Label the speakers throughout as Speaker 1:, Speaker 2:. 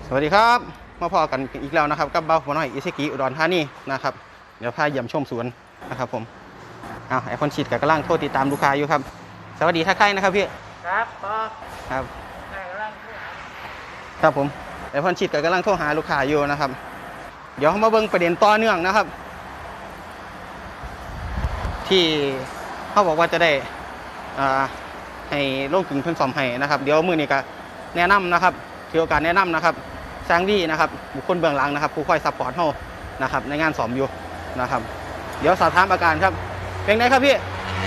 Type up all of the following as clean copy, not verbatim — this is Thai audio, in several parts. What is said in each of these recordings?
Speaker 1: สวัสดีครับมาพอกันอีกแล้วนะครับกับเบ้าหัวน้อยอิเซกิอุดรธานีนะครับเดี๋ยวพาเยี่ยมชมสวนนะครับผมไอคอนชีดกับกำลังโทษติดตามลูกค้าอยู่ครับสวัสดีท่าใครนะครับพี่
Speaker 2: ครับพอ
Speaker 1: ครับ
Speaker 2: กำลัง
Speaker 1: ครับผมไอคอนชีดกับกำลังโทรหาลูกค้าอยู่นะครับเดี๋ยวมาเบิ่งประเด็นต่อเนื่องนะครับ ที่เขาบอกว่าจะได้ให้โรงกึ่งเพิ่นซ่อมให้นะครับเดี๋ยวมื้อนี้ก็แนะนำนะครับถือโอกาสแนะนำนะครับแซงวี่นะครับบุคคลเบื้องหลังนะครับผู้คอยซัพพอร์ตเฮานะครับในงานซ่อมอยู่นะครับเดี๋ยวสอบถามอาการครับเป็นไงครับพี่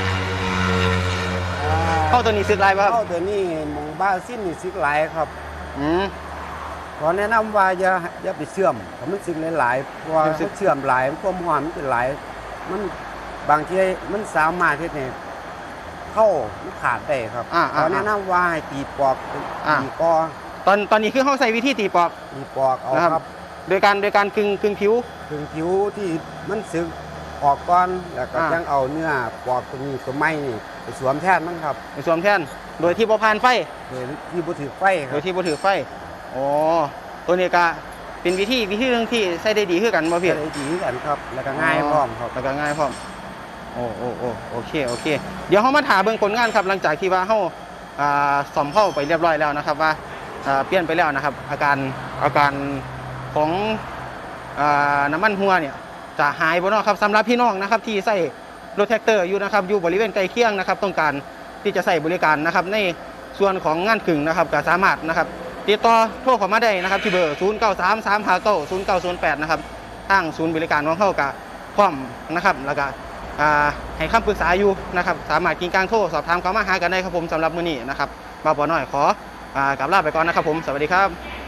Speaker 1: เข้าตัวนี้ซึกลายป่ะครับ
Speaker 2: เข้าตัวนี้มองบ้าสิ้นนี่ซึกหลายครับขอแนะนำว่าอย่าไปเชื่อมถ้ามันซึกหลายๆเพราะว่าเชื่อมหลายความร้อนมันเป็นหลายมันบางทีมันสามารถที่เนี่ยเข้ามันขาดได้ครับขอแนะนำว่าให้ตีปอกตีกอ
Speaker 1: ตอนนี้คือเขาใส่วิธีตีปอก
Speaker 2: เอาครับ
Speaker 1: โดยการกึ่งผิว
Speaker 2: ที่มันซึกออกก่อนแล้วก็ยังเอาเนื้อปอกตรงนี้ตัวไม้นี่ไปสวมแทนมันครับ
Speaker 1: ไปสวมแทนโดยที่บ่ผ่านไฟ
Speaker 2: โดยที่บ่ถือไฟครับ
Speaker 1: โดยที่บ่ถือไฟอ๋อตัวนี้ก็เป็นวิธีหนึ่งที่ใช้ได้ดีขึ้นกันบ่พี่
Speaker 2: ได้ดีขึ้นกันครับแล้วก็ง่ายพร้อมครับ
Speaker 1: แล้วก็ง่ายพร้อมโอเคเดี๋ยวเขามาถามเบื้องผลงานครับหลังจากที่ว่าเขาซ่อมเข้าไปเรียบร้อยแล้วนะครับว่าเปลี่ยนไปแล้วนะครับอาการของน้ำมันหัวเนี่ยจะหายบ่เนาะครับสำหรับพี่น้องนะครับที่ใส่รถแท็กเตอร์อยู่นะครับอยู่บริเวณใกล้เคียงนะครับต้องการที่จะใส่บริการนะครับในส่วนของงานขึงนะครับก็สามารถนะครับติดต่อโทรเข้ามาได้นะครับที่เบอร์0933590908นะครับทางศูนย์บริการของเขากับพร้อมนะครับแล้วก็ให้คำปรึกษาอยู่นะครับสามารถกินกลางโทรสอบถามเข้ามาหากันได้ครับผมสำหรับมื้อนี้นะครับบ่าวน้อยขอกลับลาไปก่อนนะครับผมสวัสดีครับ